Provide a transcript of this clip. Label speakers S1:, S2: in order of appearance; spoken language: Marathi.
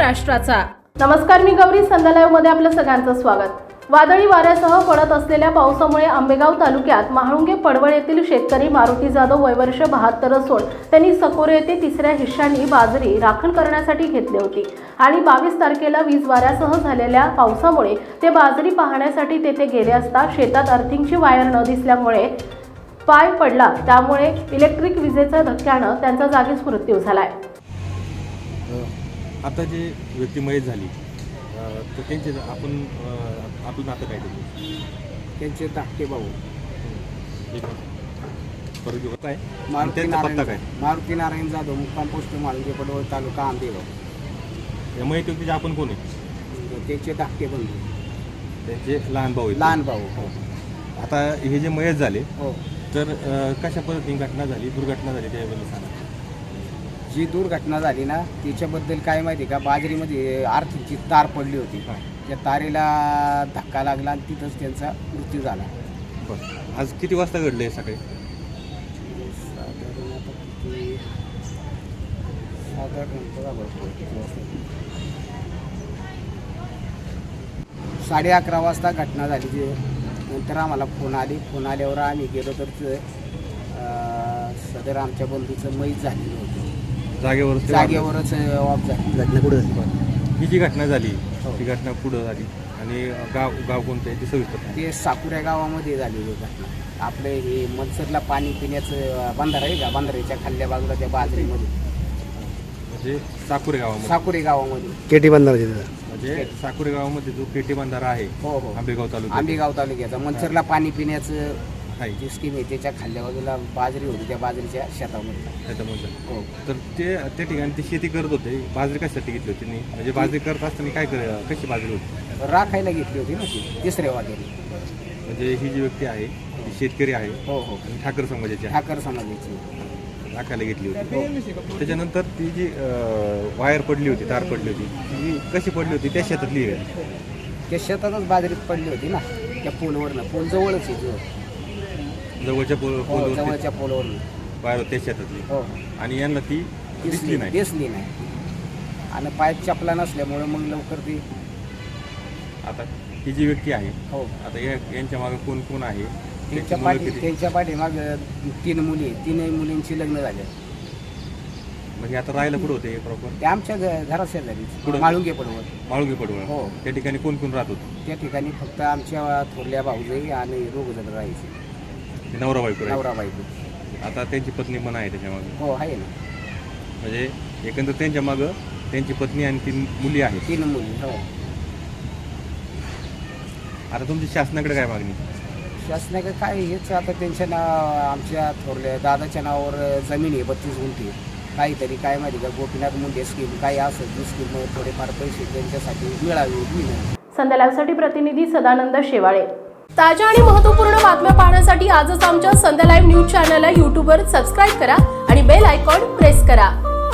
S1: महाराष्ट्राचा। नमस्कार, मी गौरी, संध्या लाईव्ह मध्ये आपलं सगळ्यांचं स्वागत। वादळी वाऱ्यासह पडत असलेल्या पावसामुळे आंबेगाव तालुक्यात महाळुंगे पडवळ येथील शेतकरी मारुती जाधव वय वर्ष 72 असून त्यांनी सकोरे येथे तिसऱ्या हिश्श्यानी बाजरी राखण करण्यासाठी घेतली होती आणि 22 तारखेला वीज वाऱ्यासह झालेल्या पावसामुळे ते बाजरी पाहण्यासाठी तेथे गेले असता शेतात अर्थिंगची वायर न दिसल्यामुळे पाय पडला, त्यामुळे इलेक्ट्रिक विजेच्या धक्क्याने त्यांचा जागीच मृत्यू झालाय।
S2: आता जे व्यक्ती मयत झाली तर त्यांचे आपण आपलं नातं काय
S3: त्यांचे धाकटे भाऊ
S2: काय
S3: मारुती
S2: पत्ता काय?
S3: मारुती नारायण जाधव, मुक्काम पोस्ट माळुंगे पडवळ, तालुका आंबेगाव।
S2: या मयत व्यक्तीचे आपण कोण आहे?
S3: त्याचे धाकटे बंधू,
S2: त्यांचे लहान भाऊ आहेत।
S3: लहान भाऊ हो।
S2: आता हे जे मयत झाले
S3: हो,
S2: तर कशा पद्धतीने घटना झाली, दुर्घटना झाली त्याबद्दल सांगा।
S3: जी दुर्घटना झाली ना त्याच्याबद्दल काय माहिती का, बाजरीमध्ये आर्थिकची तार पडली होती, त्या तारेला धक्का लागला आणि तिथंच त्यांचा मृत्यू झाला।
S2: बरं, आज किती वाजता घडलं हे सकाळी?
S3: साडे 11 वाजता घटना झाली। नंतर आम्हाला फोन आल्यावर आम्ही गेलो तर सदर आमच्या बंधूचं मयत झालेलं होतं, जागेवरच ऑफ झाली।
S2: घटना कुठं झाली? ही जी घटना झाली ती घटना कुठं झाली आणि गाव कोणतं आहे ते सविस्तर?
S3: ते साकुऱ्या गावामध्ये झालेली घटना। आपलं हे मनसरला पाणी पिण्याचं बंधारा आहे का, बंधाऱ्याच्या खाल्ल्या बाजूला त्या बाजरीमध्ये,
S2: म्हणजे साकुरे गावामध्ये?
S3: साकुरे गावामध्ये
S4: केटी बंधारा
S2: म्हणजे साकुरे गावामध्ये जो पेटी बंधारा आहे
S3: हो हो,
S2: आंबेगाव तालुका,
S3: आंबेगाव तालुक्याचा मनसरला पाणी पिण्याचं
S2: आहे
S3: जी स्कीम आहे त्याच्या खाल्ल्या बाजूला बाजरी होती, त्या बाजरीच्या शेतामध्ये
S2: त्याच्यामध्ये।
S3: हो।
S2: तर त्या ठिकाणी ते शेती करत होते, बाजरी कशासाठी घेतली होती त्यांनी? म्हणजे बाजरी करत असताना कशी बाजरी होती?
S3: राखायला घेतली होती ना ती तिसऱ्या वाटेने।
S2: म्हणजे ही जी व्यक्ती आहे ती शेतकरी आहे
S3: हो हो,
S2: आणि ठाकर समाजाची आहे,
S3: ठाकर समाजाची
S2: राखायला घेतली होती। त्याच्यानंतर ती जी वायर पडली होती, तार पडली होती, ती कशी पडली होती? त्या शेतातली आहे?
S3: त्या शेतातच बाजरीत पडली होती ना, त्या पोलवरनं, पोल जवळच आहे,
S2: जवळच्या
S3: जवळच्या पोलवरनं
S2: वायर त्या शेतातली।
S3: हो,
S2: आणि यांना ती दिसली नाही
S3: आणि पायात चपला नसल्यामुळे मग लवकर ती।
S2: आता ही जी व्यक्ती आहे
S3: हो,
S2: आता यांच्या मागे कोण कोण आहे?
S3: त्यांच्या पाठीमाग 3 मुली, 3 मुलींची लग्न झाले।
S2: म्हणजे आता राहायला कुठं होते प्रॉपर?
S3: ते आमच्या घरात शेजारी
S2: कुठं?
S3: माळुंगे पडवळ।
S2: माळुंगे पडवळ
S3: हो,
S2: त्या ठिकाणी कोण कोण राहत होतं?
S3: त्या ठिकाणी फक्त आमच्या थोरल्या भाऊजाई आणि 2 जण राहायचे,
S2: नवरा बायको?
S3: नवरा बायको।
S2: आता त्यांची पत्नी पण आहे त्याच्या मागे?
S3: हो आहे ना,
S2: म्हणजे एकंदर त्यांच्या मागं त्यांची पत्नी आणि 3 मुली आहेत?
S3: 3 मुली हो।
S2: आता तुमची शासनाकडे काय मागणी?
S3: शासनाकडे काय हेच, आता त्यांच्या आमच्या थोरल्या दादाच्या नावावर जमीन आहे 32 गुंठे, काहीतरी काय माहिती का गोपीनाथ मुंडे स्कीम काय असं जी स्कीम थोडेफार पैसे त्यांच्यासाठी मिळावे।
S1: संध्या लाईव्हसाठी प्रतिनिधी सदानंद शेवाळे। ताज्या आणि महत्त्वपूर्ण बातम्या पाहण्यासाठी आजच आमच्या संध्या लाईव्ह न्यूज चॅनलला यूट्यूबवर सबस्क्राईब करा आणि बेल आयकॉन प्रेस करा।